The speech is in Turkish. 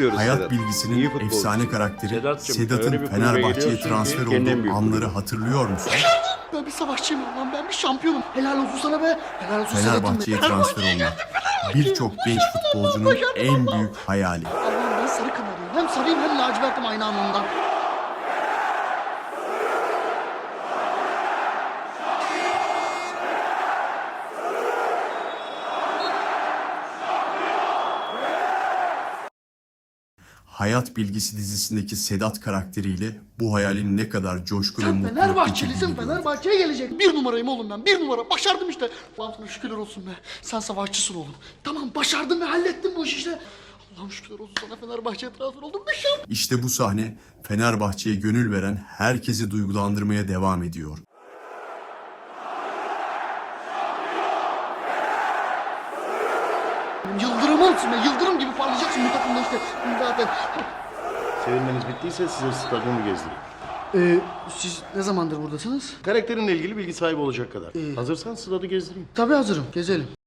izliyoruz Hayat Sedat. bilgisinin İyi futbolcu. efsane karakteri Sedat'cığım, Sedat'ın öyle bir kulübe Fenerbahçe'ye geliyorsun ki transfer kendin bir olduğu anları hatırlıyor musun? Ben bir savaşçıyım lan, ben bir şampiyonum. Helal olsun sana be. Helal olsun Fenerbahçe'ye transfer olmak birçok genç futbolcunun en büyük hayali. Allah'ım ben sarı kanarıyım. Hem sarıyım hem lacivertim aynı anlamda. Hayat Bilgisi dizisindeki Sedat karakteriyle bu hayalin ne kadar coşku ve Sen mutluluk Fenerbahçelisin, getirdiğini gördük. Fenerbahçe'ye gelecek. Bir numarayım oğlum ben, bir numara. Başardım işte. Allah'ım sana şükürler olsun be. Sen savaşçısın oğlum. Tamam, başardın ve hallettin bu işi işte. Allah'ım şükürler olsun sana, Fenerbahçe'ye transfer oldum. Bir şey. İşte bu sahne Fenerbahçe'ye gönül veren herkesi duygulandırmaya devam ediyor. Yıldırımımsın be, yıldırım gibi parlayacaksın bu takımda işte. Zaten. Sevinmeniz bittiyse size stadyumu gezdireyim. Siz ne zamandır buradasınız? Karakterinle ilgili bilgi sahibi olacak kadar. Hazırsan stadı gezdireyim. Tabii hazırım, gezelim.